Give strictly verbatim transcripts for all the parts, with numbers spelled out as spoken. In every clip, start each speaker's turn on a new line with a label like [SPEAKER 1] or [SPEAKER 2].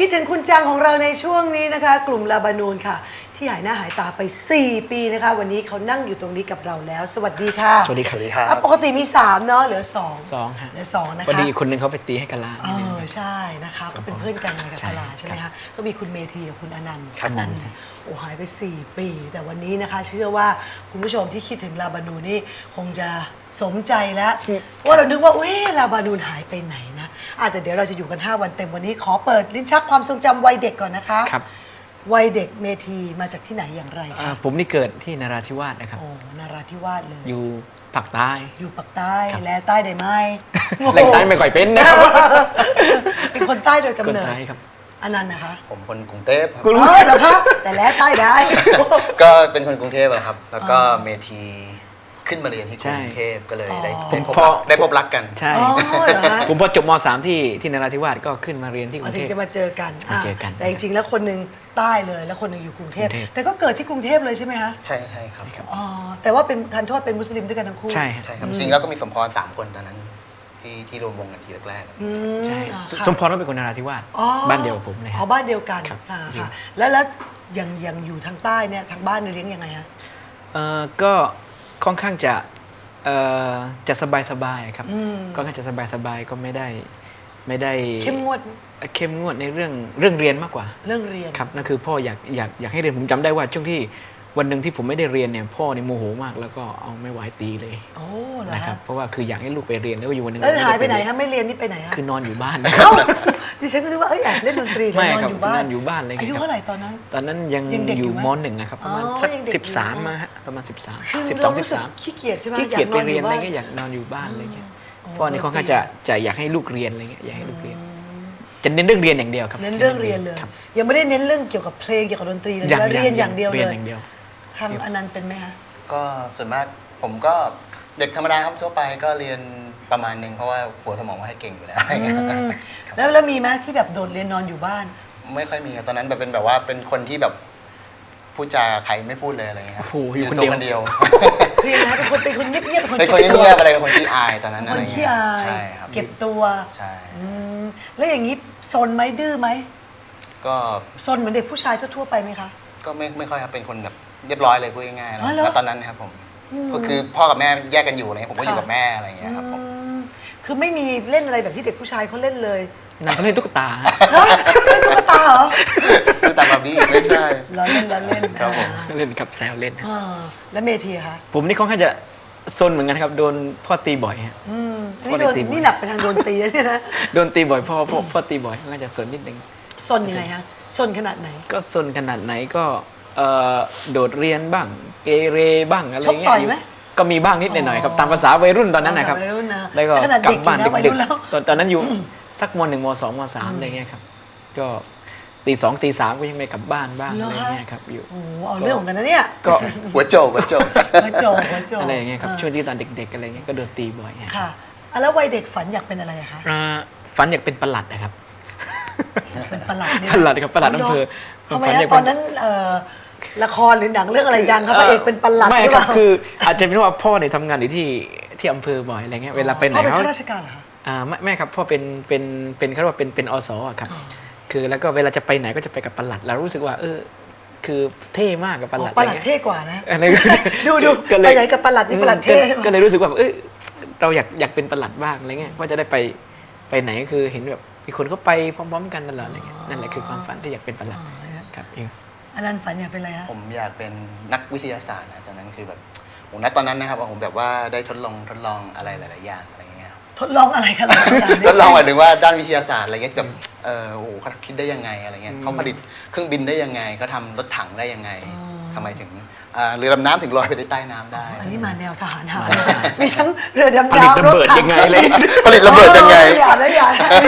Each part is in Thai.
[SPEAKER 1] คิดถึงคุณจังของเราในช่วงนี้นะคะกลุ่มลาบานูนค่ะที่หายหน้าหายตาไปสี่ปีนะคะวันนี้เขานั่งอยู่ตรงนี้กับเราแล้วสวัสดีค่ะ
[SPEAKER 2] สวัสดีครับ
[SPEAKER 1] ปกติมีสามเนาะเหลือสอง
[SPEAKER 2] สองฮะ
[SPEAKER 1] เหลือสองนะคะ
[SPEAKER 2] พอดีคนหนึ่งเขาไปตีให้กะลา
[SPEAKER 1] เออใช่นะคะก็เป็นเพื่อนกันกับกะลาใช่ไหมคะก็มีคุณเมธีกับคุณอนันต์
[SPEAKER 2] อนันต์
[SPEAKER 1] โอ้หายไปสี่ปีแต่วันนี้นะคะเชื่อว่าคุณผู้ชมที่คิดถึงลาบานูนนี่คงจะสมใจแล้วว่าเรานึกว่าเว้ลาบานูนหายไปไหนนะอ่ะแต่เดี๋ยวเราจะอยู่กันห้าวันเต็มวันนี้ขอเปิดลิ้นชักความทรงจำวัยเด็กก่อนนะคะ
[SPEAKER 2] ครับ
[SPEAKER 1] วัยเด็กเมธีมาจากที่ไหนอย่างไรคะ
[SPEAKER 2] ผมนี่เกิดที่นราธิวาสนะครับ
[SPEAKER 1] โอ้นราธิวาสเลย
[SPEAKER 2] อยู่ภาคใต้
[SPEAKER 1] อยู่ปากใต้แลใต้ได้ไหม
[SPEAKER 2] แหล่งใต้ไม่ค่อยเป็นนะครับ
[SPEAKER 1] เป็นคนใต้โดยกำเนิด
[SPEAKER 2] คนใต้ครับ
[SPEAKER 1] อันนั้นนะคะ
[SPEAKER 3] ผมคนกรุงเทพครับ
[SPEAKER 1] อ๋อเหรอคะแต่แลใต้ได้
[SPEAKER 3] ก็เป็นคนกรุงเทพนะครับแล้วก็เมทีขึ้นมาเรียนที่กรุงเทพก็เลยได้ได้พบได้พบรักกัน
[SPEAKER 2] ใช่ผมพอจบม .สาม ที่ที่นราธิวาสก็ขึ้นมาเรียนที่กรุงเทพ
[SPEAKER 1] ถึงจะมาเจอกัน
[SPEAKER 2] เจอกัน
[SPEAKER 1] แต่จริงๆแล้วคนหนึ่งใต้เลยแล้วคนหนึ่งอยู่กรุงเทพแต่ก็เกิดที่กรุงเทพเลยใช่ไหมคะ
[SPEAKER 3] ใช่ใช่ครับ
[SPEAKER 1] อ๋อแต่ว่าเป็นทันโทษเป็นมุสลิมด้วยกันทั้งคู่
[SPEAKER 2] ใช่
[SPEAKER 3] ใช่ครับจริงแล้วก็มีสมพรสามคนตอนนั้นที่ที่รวมวงกันทีแรก
[SPEAKER 2] ๆใช่สมพรว่าเป็นคนนราธิวาสบ้านเดียวกับผมเลย
[SPEAKER 1] อ๋อบ้านเดียวกันค่ะแล้วแล้วยังยังอยู่ทางใต้เนี่ยทางบ้านเลี้ยงยังไงฮะ
[SPEAKER 2] เออก็ค่อนข้างจะเอ่อจะสบายสบายครับก็ค่อนข้างจะสบายสบายก็ไม่ได้ไม่ได้
[SPEAKER 1] เข้มงวด
[SPEAKER 2] เข้มงวดในเรื่องเรื่องเรียนมากกว่า
[SPEAKER 1] เรื่องเรียน
[SPEAKER 2] ครับนั่นคือพ่ออยากอยากอยากให้เรียนผมจำได้ว่าช่วงที่วันหนึ่งที่ผมไม่ได้เรียนเนี่ยพ่อเนี่ยโมโหมากแล้วก็เอาไม่ไหวตีเลย
[SPEAKER 1] โอ้
[SPEAKER 2] นะครับเพราะว่าคืออยากให้ลูกไปเรียนแล้วอยู่วันหนึ่ง
[SPEAKER 1] แล้วหายไปไหนฮะไม่เรียนนี่ไปไหนฮะ
[SPEAKER 2] คือนอนอยู่บ้านนะครับ
[SPEAKER 1] ดิฉันก็นึกว่าเอ้ยแอบเล่นดนตรีนอนอยู่บ้าน
[SPEAKER 2] นอนอยู่บ้านเลย
[SPEAKER 1] อายุเท่าไหร่ตอนนั้น
[SPEAKER 2] ตอนนั้นยังอยู่ม.หนึ่งนะครับประมาณสักสิบสามมาฮะประมาณสิบสามสิบสองสิบสาม
[SPEAKER 1] ขี้เกียจใช่ไหม
[SPEAKER 2] ขี้เกียจไปเรียนอะไรเงี้ยอยากนอนอยู่บ้านอะไรเงี้ยพ่อนี่ค่อนข้างจะจะอยากให้ลูกเรียนอะไรเงี้ยอยากให้ลูกเรียนจะเน้นเรื่องเรียนอย่างเดียวครับ
[SPEAKER 1] เน้นเรื่องเรียนเลยยังไม่ได้เน้นเรื่องเกี่ยวกับเพลงเกี่ยวกับดนตรีเลยเรียนอย่างเดียวเลยทางอนันต์เป็นไหมคะ
[SPEAKER 3] ก็ส่วนมากผมก็เด็กธรรมดาครับทั่วไปก็เรียนประมาณนึงเพราะว่าหัวสมองว่าให้เก่งอยู่แล้ว
[SPEAKER 1] แล้วแล้วมีไหมที่แบบโดดเรียนนอนอยู่บ้าน
[SPEAKER 3] ไม่ค่อยมีครับตอนนั้นแบบเป็นแบบว่าเป็นคนที่แบบพูดจาใครไม่พูดเลยอะไรเงี้ยครับ
[SPEAKER 2] อยู่
[SPEAKER 3] ตัวคนเดียว
[SPEAKER 1] คือนะเป็นคนเป็นคนเงียบๆ
[SPEAKER 3] เป็นคนเงียบอะไรเป็นคนที่อายตอนนั้นอะไร
[SPEAKER 1] เงี้ยใช่
[SPEAKER 3] ครับ
[SPEAKER 1] เก็บตัว
[SPEAKER 3] ใช่
[SPEAKER 1] แล้วอย่างนี้ซนไหมดื้อไหม
[SPEAKER 3] ก็
[SPEAKER 1] ซนเหมือนเด็กผู้ชายทั่วไปไหมคะ
[SPEAKER 3] ก็ไม่ไม่ค่อยครับเป็นคนแบบเรียบร้อยเลยพูดง่ายๆแล้วตอนนั้นนะครับผมก็คือพ่อกับแม่แยกกันอยู่อะไรเงี้ยผมก็อยู่กับแม่อะไรเงี้ยครับผม
[SPEAKER 1] คือไม่มีเล่นอะไรแบบที่เด็กผู้ชายเขาเล่นเลย
[SPEAKER 2] นั่นเขาเล่นตุ๊กตา
[SPEAKER 1] เล่นตุ๊กตาเหรอ
[SPEAKER 3] ตุ๊กตาบาร์บี้ไม่ใช่
[SPEAKER 1] เราเล่นเราเล่น
[SPEAKER 3] ครับผม
[SPEAKER 2] เล่นกับแซวเล่น
[SPEAKER 1] แล้วเมทีคะ
[SPEAKER 2] ผมนี่ค่อนข้างจะซนเหมือนกันครับโดนพ่อตีบ่อยฮะ
[SPEAKER 1] นี่โดนนี่หนักไปทางโดนตีแล้วเนี่ยนะ
[SPEAKER 2] โดนตีบ่อยพ่อพ่อพ่อตีบ่อยน่าจะซนนิดนึง
[SPEAKER 1] ซนยังไงฮะซนขนาดไหน
[SPEAKER 2] ก็ซนขนาดไหนก็โดดเรียนบ้างเกเรบ้างอะไรเงี้ยก็มีบ้างนิดหน่อยครับตามภาษาวัยรุ่นตอนนั้นนะครับแล้วก็กลับบ้านดึกๆตอนตอนนั้นอยู่สักมหนึ่งมสองมสามอะไรเงี้ยครับก็ตีสองตีสามก็ยังไม่กลับบ้านบ้างอะไรเงี้ยครับอยู่
[SPEAKER 1] โอ้เอาเรื่องของกันนะเนี่ย
[SPEAKER 3] ก็หัวโจกหัวโจก
[SPEAKER 1] หัวโจกหัวโจก
[SPEAKER 2] อะไรเงี้ยครับช่วงที่ตอนเด็กๆอะไรเงี้ยก็โดนตีบ่อย
[SPEAKER 1] ค่ะแล้ววัยเด็กฝันอยากเป็นอะไรคะ
[SPEAKER 2] ฝันอยากเป็นปลัดนะครับ
[SPEAKER 1] เป็นปลัด
[SPEAKER 2] ปลัดครับปลัดอำเภอ
[SPEAKER 1] ทำไมตอนนั้นละครหรือหนังเรื่องอะไรดังครับพระเอกเป็นปลัด
[SPEAKER 2] ไม่ครับคืออาจจะเป็นว่าพ่อเนี่ยทำงานอยู่ที่ที่อำเภอบ่อยอะไรเงี้ยเวลาไปไหน
[SPEAKER 1] เขาเป็นข้าราชการเหรอ
[SPEAKER 2] อ่าไม่ไม่ครับพ่อเป็นเป็นเป็นเขาเรียกว่าเป็นเป็นอสครับคือแล้วก็เวลาจะไปไหนก็จะไปกับปลัดเรารู้สึกว่าเออคือเท่มากกับปลัด
[SPEAKER 1] ปลัดเท่กว่านะดูดูไปไหนกับปลัดนี่ปลัดเท่
[SPEAKER 2] ก็เลยรู้สึกว่าเออเราอยากอยากเป็นปลัดบ้างอะไรเงี้ยว่าจะได้ไปไปไหนก็คือเห็นแบบมีคนเขาไปพร้อมๆกันตลอดอะไรเงี้ยนั่นแหละคือความฝันที่อยากเป็นปลัดครับเอง
[SPEAKER 1] อันนั้นฝันอยากเป็นอะไรฮะ
[SPEAKER 3] ผมอยากเป็นนักวิทยาศาสตร์นะตอนนั้นคือแบบผมณตอนนั้นนะครับผมแบบว่าได้ทดลองทดลองอะไรหลายๆอย่างอะไรเงี้ย
[SPEAKER 1] ทดลองอะไรกัน
[SPEAKER 3] ทดลองหมายถึงว่าด้านวิทยาศาสตร์อะไรเงี้ยแบบเออโอ้โหเขาคิดได้ยังไงอะไรเงี้ยเขาผลิตเครื่องบินได้ยังไงเขาทำรถถังได้ยังไงทำไมถึงเรือดำน้ำถึงลอยไปได้ใต้น้ำได้
[SPEAKER 1] อันนี้มาแนวทหารหารมีทั้งเรือดำ
[SPEAKER 2] น้ำรถถังยังไงเลย
[SPEAKER 3] ผลิตระเบิดยังไง
[SPEAKER 1] อย่านะอย่า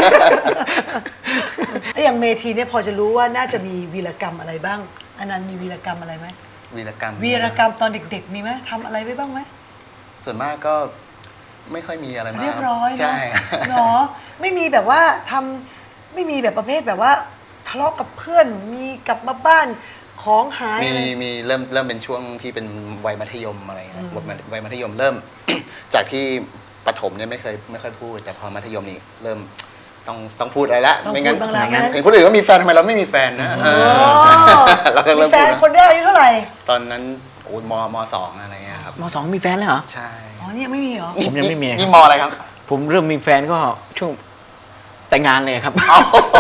[SPEAKER 1] ไอ้อย่างเมทีเนี่ยพอจะรู้ว่าน่าจะมีวีรกรรมอะไรบ้างอันนั้นมีวีรกรรมอะไรไหม
[SPEAKER 3] วีรกรรม
[SPEAKER 1] วีรกรรมตอนเด็กๆมีไหมทำอะไรไว้บ้างไหม
[SPEAKER 3] ส่วนมากก็ไม่ค่อยมีอะไรมาก
[SPEAKER 1] เรียบร้อย
[SPEAKER 3] ใช่
[SPEAKER 1] เนาะไม่มีแบบว่าทำไม่มีแบบประเภทแบบว่าทะเลาะกับเพื่อนมีกลับมาบ้านของหาย
[SPEAKER 3] มีมีเริ่มเริ่มเป็นช่วงที่เป็นวัยมัธยมอะไรเงี้ยวัยมัธยมเริ่มจากที่ประถมเนี่ยไม่เคยไม่ค่อยพูดแต่พอมัธยมนี่เริ่มต้องต้องพูดอะไรละ
[SPEAKER 1] ต้อง
[SPEAKER 3] ไม่งั้น
[SPEAKER 1] พูดบ้างแล้วงั้น
[SPEAKER 3] เห็นคนอื่นก็มีแฟนทำไมเราไม่มีแฟนนะเออเราก็
[SPEAKER 1] มี
[SPEAKER 3] เริ่ม
[SPEAKER 1] แฟ
[SPEAKER 3] พูด
[SPEAKER 1] น
[SPEAKER 3] แล้ว
[SPEAKER 1] คนแรกอายุเท่าไหร่
[SPEAKER 3] ตอนนั้นโอ้ยมมสองอะไรเงี้ยครับ
[SPEAKER 2] มสองมีแฟนแล้วเหรอ
[SPEAKER 3] ใช่
[SPEAKER 1] อ๋อนี่ยังไม่มีเหรอ
[SPEAKER 2] ผมยังไม่มี
[SPEAKER 3] นี่มอะไรครับ
[SPEAKER 2] ผมเริ่มมีแฟนก็ช่วงแต่งงานเลยครับ
[SPEAKER 3] เอา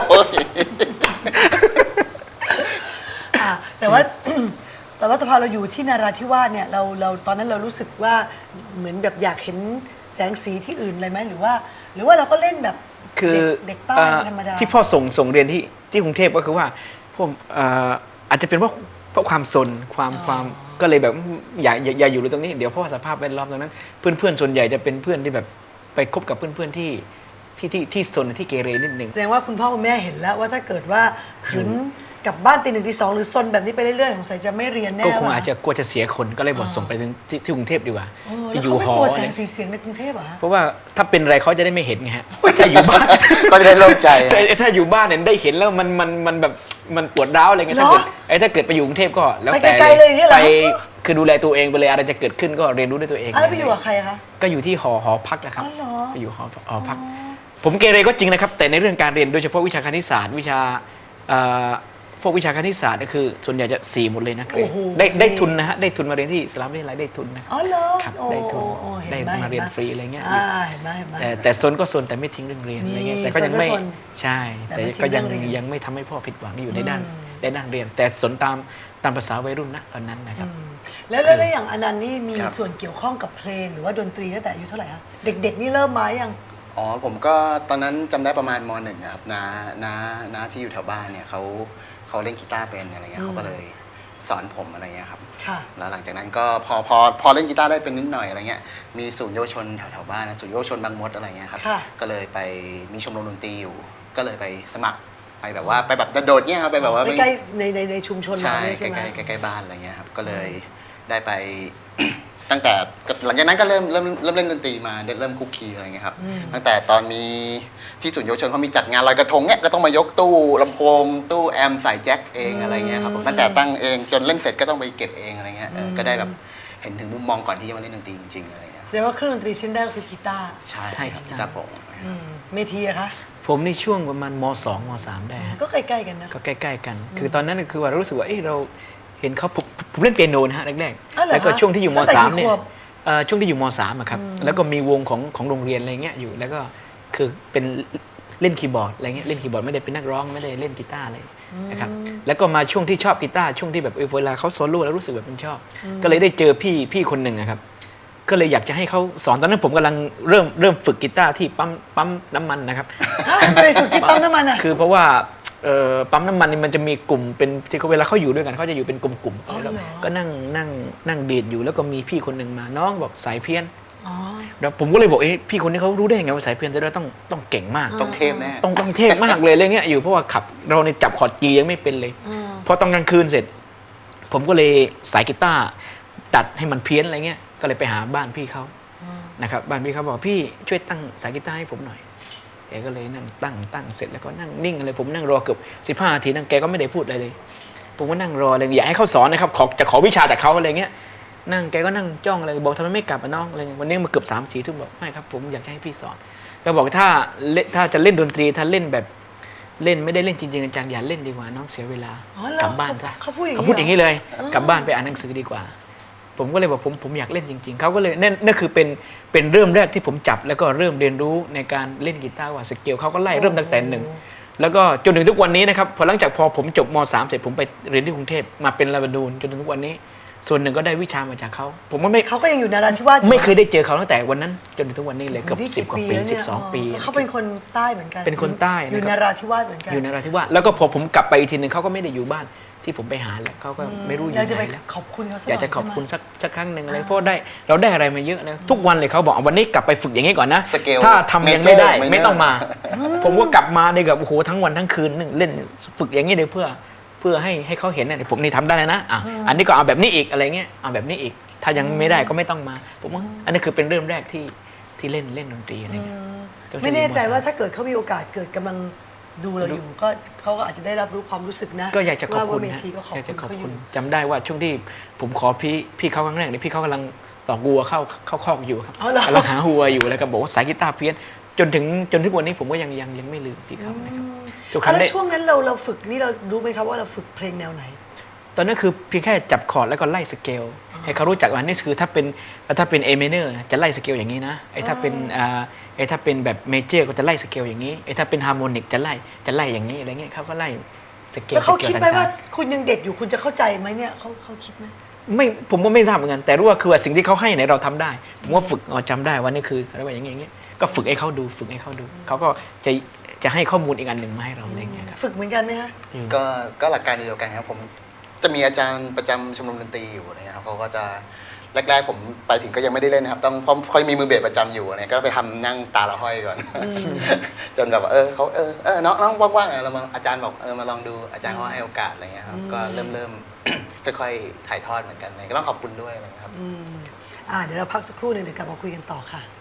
[SPEAKER 1] อ่ะแต่ว่า แต่ว่าพอเราอยู่ที่นาราธิวาสเนี่ยเราเราตอนนั้นเรารู้สึกว่าเหมือนแบบอยากเห็นแสงสีที่อื่นเลยไหมหรือว่า หรือว่าเราก็เล่นแบบ
[SPEAKER 2] คือ
[SPEAKER 1] เด็กเด็กใต้
[SPEAKER 2] เอ่อ
[SPEAKER 1] ธรรมดา
[SPEAKER 2] ที่พ่อส่งส่งเรียนที่ที่กรุงเทพก็คือว่าพวกเอ่ออาจจะเป็นเพราะเพราะความสนความความก็เลยแบบอย่าอย่าอย่าอยู่ตรงนี้เดี๋ยวเพราะว่าสภาพแวดล้อมตรงนั้น เพื่อนเพื่อนส่วนใหญ่จะเป็นเพื่อนที่แบบไปคบกับเพื่อนเพื่อนที่ที่ที่ที่สนที่เกเรนิดนึง
[SPEAKER 1] แสดงว่าคุณพ่อคุณแม่เห็นแล้วว่าถ้าเกิดว่าขืนกลับบ้านตีหนึ่งตีสองหรือซนแบบนี้ไปเรื่อยๆสงสัยจะไม่เรียนแน่
[SPEAKER 2] ก็คง
[SPEAKER 1] ว่
[SPEAKER 2] อาจจะกลัวจะเสียคนก็เลยบอกส่งไปถึงที่ที่กรุงเทพดีกว่า
[SPEAKER 1] โอ้
[SPEAKER 2] ไป
[SPEAKER 1] แล้ว
[SPEAKER 2] อยู่
[SPEAKER 1] เขาไม่
[SPEAKER 2] หอก
[SPEAKER 1] ลัวแส
[SPEAKER 2] อะไร
[SPEAKER 1] งสีเสียงในกรุงเทพเหรอฮะ
[SPEAKER 2] เพราะว่าถ้าเป็นอะไรเขาจะได้ไม่เห็นไงฮะถ้าอยู่บ้าน
[SPEAKER 3] ก็จะได้โล่งใจ
[SPEAKER 2] แต่ถ้าอยู่บ้านเนี่ยได้เห็นแล้วมันมันมันแบบมันปวดร้าวอะไรเงี้ยถ้าเกิดไอ้ถ้าเกิดไปอยู่กรุงเทพก็แล้ว
[SPEAKER 1] ไป
[SPEAKER 2] แต่
[SPEAKER 1] ไกลๆเลยอย่างเงี้ยเหรอ
[SPEAKER 2] ไปคือดูแลตัวเองไปเลยอะไรจะเกิดขึ้นก็เรียนรู้ด้วยตัวเอง
[SPEAKER 1] อ่ะแล้วไปอยู่กับใครคะ
[SPEAKER 2] ก็อยู่ที่หอหอพักนะครับ
[SPEAKER 1] อ๋อเหรอ
[SPEAKER 2] ไปอยู่หอหอพัก ผมเกเรก็จริงนะครับ แต่ในเรื่องการเรียนโดยเฉพาะวิชาคณิตศาสตร์วิชาเอ่อพวกวิชาคณิตศาสตร์ก็คือส่วนใหญ่จะสี่หมดเลยนะเกรด
[SPEAKER 1] โอ้โห
[SPEAKER 2] ได้ได้ทุนนะฮะได้ทุนมาเรียนที่สลามวิทยาลัยได้ทุนนะ
[SPEAKER 1] อ๋อเหรอ
[SPEAKER 2] ครับ
[SPEAKER 1] โอ้
[SPEAKER 2] ได้ทุน
[SPEAKER 1] โอ้เห็น
[SPEAKER 2] ได้
[SPEAKER 1] ไหม
[SPEAKER 2] มาเรียน
[SPEAKER 1] ห็นไห
[SPEAKER 2] ฟรีอะไรเงี้ย
[SPEAKER 1] อ่าเห็นไหมเห็นไหม
[SPEAKER 2] แต่แต่ซนก็ซนแต่ไม่ทิ้งเรื่องเรียนอะไรเงี้ย
[SPEAKER 1] นี่
[SPEAKER 2] แต่ก็ยังไม่
[SPEAKER 1] ซนก็ซน
[SPEAKER 2] ใช่
[SPEAKER 1] แต่
[SPEAKER 2] แต่
[SPEAKER 1] ไม่ทิ้ง
[SPEAKER 2] ก็ยัง
[SPEAKER 1] เรื่องเรียน
[SPEAKER 2] ยังไม่ทำให้พ่อผิดหวังอยู่ในด้าน
[SPEAKER 1] อืม
[SPEAKER 2] ในด้านเรียน แต่สนตามตามภาษาวัยรุ่นนะตอนนั้นนะครับ
[SPEAKER 1] แล้วแล้วแล้วอย่างอนันต์นี่มี
[SPEAKER 3] ครับ
[SPEAKER 1] ส่วนเกี่ยวข้องกับเพลงหรือว่าดนตรีตั้งแต่อายุเท่าไหร่คะเด็กๆนี่เริ่มมายัง
[SPEAKER 3] อ๋อผมก็ตอนนั้นจำได้ประมาณมหนึ่งอะครับน้าน้าน้าที่อยู่แถวบ้านเนี่ยเขาเขาเล่นกีตาร์เป็นอะไรเงี้ยเขาก็เลยสอนผมอะไรเงี้ยครับ
[SPEAKER 1] ค่ะ
[SPEAKER 3] แล้วหลังจากนั้นก็พอพอพอเล่นกีตาร์ได้เป็นนิดหน่อยอะไรเงี้ยมีศูนย์เยาวชนแถวแถวบ้านนะศูนย์เยาวชนบางมดอะไรเงี้ยครับ
[SPEAKER 1] ค่ะ
[SPEAKER 3] ก็เลยไปมีชมรมดนตรีอยู่ ก็เลยไปสมัครไปแบบว่าไปแบบโดดๆเนี่ยครับไปแบบว่าไม่
[SPEAKER 1] ใกล้ๆในในในชุมชนเรา
[SPEAKER 3] ใช่
[SPEAKER 1] เนี่ย
[SPEAKER 3] ใก
[SPEAKER 1] ใช่ไหม
[SPEAKER 3] ล้ๆใกล้ๆบ้านอะไรเงี้ยครับก็เลยได้ไป ตั้งแต่หลังจากนั้นก็เริ่มเริ่มเริ่มเล่นดนตรีมาเริ่มคุกคีอะไรเงี้ยครับตั้งแต่ตอนมีที่ศูนย์เยาวชนเขามีจัดงานลอยกระทงเนี่ยก็ต้องมายกตู้ลำโพงตู้แอมใส่แจ็คเองอะไรเงี้ยครับผมตั้งแต่ตั้งเองจนเล่นเสร็จก็ต้องไปเก็บเองอะไรเงี้ยเออก็ได้แบบเห็นถึงมุมมองก่อนที่จะมาเล่นดนตรีจริงๆอะไรเงี้ย
[SPEAKER 1] แสดงว่าเครื่องดนตรีชิ้นแรกก็คือกีตาร์
[SPEAKER 3] ใช่
[SPEAKER 2] ใช่
[SPEAKER 3] ครับ
[SPEAKER 2] ใช่
[SPEAKER 3] กีตาร์โปร่ง
[SPEAKER 1] อืมเมทีอะคะ
[SPEAKER 2] ผมในช่วงประมาณมสองมสามได้ฮะ
[SPEAKER 1] ก็ใกล้ๆกันนะ
[SPEAKER 2] ก็ใกล้ๆกัน คือตอนนั้นคือว่ารู้สึกว่าเอ้ยเราเห็นเขาผมผมเล่นเปียโนนะฮะแรก
[SPEAKER 1] อ๋อเหรอ
[SPEAKER 2] ๆแล้วก็
[SPEAKER 1] คะ
[SPEAKER 2] ช่วงที่อยู่ม
[SPEAKER 1] ตั้งแต่
[SPEAKER 2] สาม
[SPEAKER 1] กี่
[SPEAKER 2] เนี่ย
[SPEAKER 1] ขวบ
[SPEAKER 2] เอ่อช่วงที่อยู่มสามอะครับแล้วก็มีวงของของโรงเรียนอะไรเงี้ยอยู่แล้วก็คือเป็นเล่นคีย์บอร์ดอะไรเงี้ยเล่นคีย์บอร์ดไม่ได้เป็นนักร้องไม่ได้เล่นกีตาร์อะไรนะครับแล้วก็มาช่วงที่ชอบกีตาร์ช่วงที่แบบเออเวลาเขาโซโล่แล้วรู้สึกแบบมันชอบ ก็เลยได้เจอพี่พี่คนหนึ่งอะครับก็เลยอยากจะให้เขาสอนตอนนั้นผมกำลังเริ่มเริ่มฝึกกีตาร์ที่ปั๊มปั๊มน้ำมันนะครับ
[SPEAKER 1] ฮะไปฝึกที่ปั๊มน้ำมันอะ
[SPEAKER 2] คือเพราะว่าเอ่อปั๊มน้ำมันนี่มันจะมีกลุ่มเป็นที่เขาเวลาเขาอยู่ด้วยกันเขาจะอยู่เป็นกลุ่มๆ
[SPEAKER 1] อ๋อเหรอ
[SPEAKER 2] แล้วก็นั่งนั่งนั่งเดทอยู่แล้วก็มีพี่คนหนึ่งมาน้องบอกสายเพี้ยน
[SPEAKER 1] อ๋อ
[SPEAKER 2] แล้วผมก็เลยบอกเอ้ยพี่คนนี้เขารู้ได้ยังไงว่าสายเพี้ยนแต่เราต้องต้องเก่งมาก
[SPEAKER 3] ต้องเทพแน่
[SPEAKER 2] ต้องต้องเทพมากเลยอะไรเงี้ยอยู่เพราะว่าขับเราในยจับคอร์ดจียังไม่เป็นเลย
[SPEAKER 1] อืม
[SPEAKER 2] พอตอนกลางคืนเสร็จ ผมก็เลยสายกีตาร์ตัดให้มันเพี้ยนอะไรเงี้ยก็เลยไปหาบ้านพี่เขานะครับบ้านพี่เขาบอกพี่ช่วยตั้งสายกีตาร์ให้ผมหน่อยแกก็เลยนั่งตั้งตั้งเสร็จแล้วก็นั่งนิ่งเลยผมนั่งรอเกือบสิบห้านาทีนั่งแกก็ไม่ได้พูดอะไรเลย ผมก็นั่งรอเลยอยากให้เขาสอนนะครับขอจะขอวิชาจากเขาอะไรเงี้ยนั่งแกก็นั่งจ้องอะไรบอกทำไมไม่กลับอ่ะน้องอะไรเงี้ยวันนี้มาเกือบสามสี่ทุ่มบอกไม่ครับผมอยากจะให้พี่สอนก็บอกถ้าเล่นถ้าจะเล่นดนตรีถ้าเล่นแบบเล่นไม่ได้เล่นจริงๆจังๆอย่าเล่นดีกว่าน้องเสียเวลา
[SPEAKER 1] อ๋อเหรอก
[SPEAKER 2] ลับบ้านซะ
[SPEAKER 1] เขาพูดอย่างนี้
[SPEAKER 2] เขาพูดอย่างนี้เลย
[SPEAKER 1] เหรอ
[SPEAKER 2] กลับบ้านไปอ่านหนังสือดีกว่า ผมก็เลยบอกผมผมอยากเล่นจริงๆเขาก็เลยนั่นนั่นคือเป็นเป็นเริ่มแรกที่ผมจับแล้วก็เริ่มเรียนรู้ในการเล่นกีตาร์ว่าสเกลเขาก็ไล่เริ่มตั้งแต่หนึ่งแล้วก็จนถึงทุกวันนี้นะครับพอหลังจากพอผมจบม สามเสร็จผมไปเรียนที่กรุงเทพมาเป็นลาบานูนจนถึงทุกวันนี้ ส่วนหนึ่งก็ได้วิชามาจากเขาผมก็ไม่
[SPEAKER 1] เขาก็ยังอยู่นาราธิวาสอยู่
[SPEAKER 2] ไม่เคยได้เจอเขาตั้งแต่วันนั้น จนถึงทุกวันนี้เลยเกือบ
[SPEAKER 1] นี่
[SPEAKER 2] สิบกว่าปี
[SPEAKER 1] แล้ว
[SPEAKER 2] สิ
[SPEAKER 1] เนี่ย
[SPEAKER 2] บสองปี
[SPEAKER 1] เขาเป็นคนใต้เหมือนกัน
[SPEAKER 2] เป็นคนใต้
[SPEAKER 1] อยู่
[SPEAKER 2] นะครับ
[SPEAKER 1] นาราธิวาสเหมือนกัน
[SPEAKER 2] อยู่ในนราธิวาสแล้วก็พอผมกลับไปอีกทีหนึ่งเขาก็ไม่ได้อยู่บ้านที่ผมไปหาแล้วเขาก็ไม่รู้อยู่
[SPEAKER 1] อยากจะ
[SPEAKER 2] ไห
[SPEAKER 1] ไป
[SPEAKER 2] นแล้ว
[SPEAKER 1] ขอบคุณเขาสักห
[SPEAKER 2] อ
[SPEAKER 1] น่
[SPEAKER 2] ยากจะขอบคุณ
[SPEAKER 1] ใช่ไหม
[SPEAKER 2] สักสักครั้งหนึ่งอะไรเพราะได้เราได้อะไรมาเยอะนะทุกวันเลยเขาบอกวันนี้กลับไปฝึกอย่างนี้ก่อนนะ
[SPEAKER 3] สเกล
[SPEAKER 2] ถ้าทำยังไม่ได้
[SPEAKER 3] major minor
[SPEAKER 2] ไม่ต้องมา ผมก็กลับมาได้กับโอ้โหทั้งวันทั้งคืนนึงเล่นฝึกอย่างนี้เลยเพื่อเพื่อให้ให้เขาเห็นนะผมนี่ทำได้แล้วนะอ่ะอันนี้ก็เอาแบบนี้อีกอะไรเงี้ยเอาแบบนี้อีก ถ้ายังไม่ได้ก็ไม่ต้องมาผมว่าอันนี้คือเป็นเริ่มแรกที่ที่เล่นเล่นดนตรีอะไรเงี้ยจนถึง
[SPEAKER 1] ไม่แน่ใจ
[SPEAKER 2] มสาม
[SPEAKER 1] ว่าถ้าเกิดเขามีโอกาสเกิดกำลังดูเราอยู่ก็เขาก็อาจจะได้รับรู้ความรู้สึกนะ
[SPEAKER 2] ก็อยากจะขอบคุณ
[SPEAKER 1] ว่าเม
[SPEAKER 2] นะ
[SPEAKER 1] ทีก็ขอบ
[SPEAKER 2] อยาก
[SPEAKER 1] คุ
[SPEAKER 2] จะ
[SPEAKER 1] ณ
[SPEAKER 2] ขอบ
[SPEAKER 1] เขาอ
[SPEAKER 2] คุณ
[SPEAKER 1] ยู่
[SPEAKER 2] จำได้ว่าช่วงที่ผมขอพี่พี่เขาครั้งแรกเนี่ยพี่เขากำลังต่อกัวเข้าเข้าคอกอยู่ครับ
[SPEAKER 1] อ๋อเหรอ
[SPEAKER 2] กำลังหาหัวอยู่แล้วก็บอกว่าสายกีตาร์เพี้ยนจนถึงจนถึงวันนี้ผมก็ยังยังยังไม่ลืมพี่คำนะครับทุกค
[SPEAKER 1] อ่ะ
[SPEAKER 2] รั้ง
[SPEAKER 1] แล้ว
[SPEAKER 2] ได้
[SPEAKER 1] ช่วงนั้นเราเราฝึกนี่เรารู้ไหมครับว่าเราฝึกเพลงแนวไหน
[SPEAKER 2] ตอนนั้นคือเพียงแค่จับคอร์ดแล้วก็ไล่สเกลให้เขารู้จักว่านี่คือถ้าเป็นถ้าเป็น A minor จะไล่สเกลอย่างนี้นะไอ้ถ้าเป็นอ่าไอ้ถ้าเป็นแบบเมเจอร์ก็จะไล่สเกลอย่างนี้ไอ้ถ้าเป็นฮาร์โมนิกจะไล่จะไล่อย่างนี้อะไรเงี้ยเขาก็ไล่สเกล
[SPEAKER 1] แล้วเขา
[SPEAKER 2] สกล
[SPEAKER 1] คิดไหม
[SPEAKER 2] ต่งๆ
[SPEAKER 1] ว่าคุณยังเด็กอยู่คุณจะเข้าใจไหมเนี่ยเขาเขาคิดไหม
[SPEAKER 2] ไม่ผมก็ไม่ทราบเหมือนกันแต่รู้ว่าคือว่าสิ่งที่เขาให้เนี่ยเราทำได้ผมว่าฝึกเราจำได้ว่านี่คือเขาเรียกว่าอย่างเงี้ยอย่างเงี้ยก็ฝึกให้เขาดูฝึกให้เขาดูเขาก็จะจะให้ข้อมูลอีกอันหนึ่งมาให้เราอะไรเงี้ยครับ
[SPEAKER 1] ฝึกเหมือนกันไหมฮะ
[SPEAKER 3] ก็ก็หลักการเดียวกันครับผมจะมีอาจารย์ประจำชมรมดนตรีอยู่นะครับเขาก็จะแรกๆผมไปถึงก็ยังไม่ได้เล่นนะครับต้องเพราะเขามีมือเบสประจำอยู่เนี่ยก็ไปทำนั่งตาละห้อยก่อน จนแบบว่าเออเขาเออเออน้องน้องว่างๆเรามาอาจารย์บอกเออมาลองดูอาจารย์เขาให้โอกาสอะไรเงี้ยครับก็เริ่มเริ่ม ค่อยๆถ่ายทอดเหมือนกันก็ต้องขอบคุณด้วยนะครับ
[SPEAKER 1] อืมอ่าเดี๋ยวเราพักสักครู่หนึ่งเดี๋ยวกลับมาคุยกันต่อค่ะ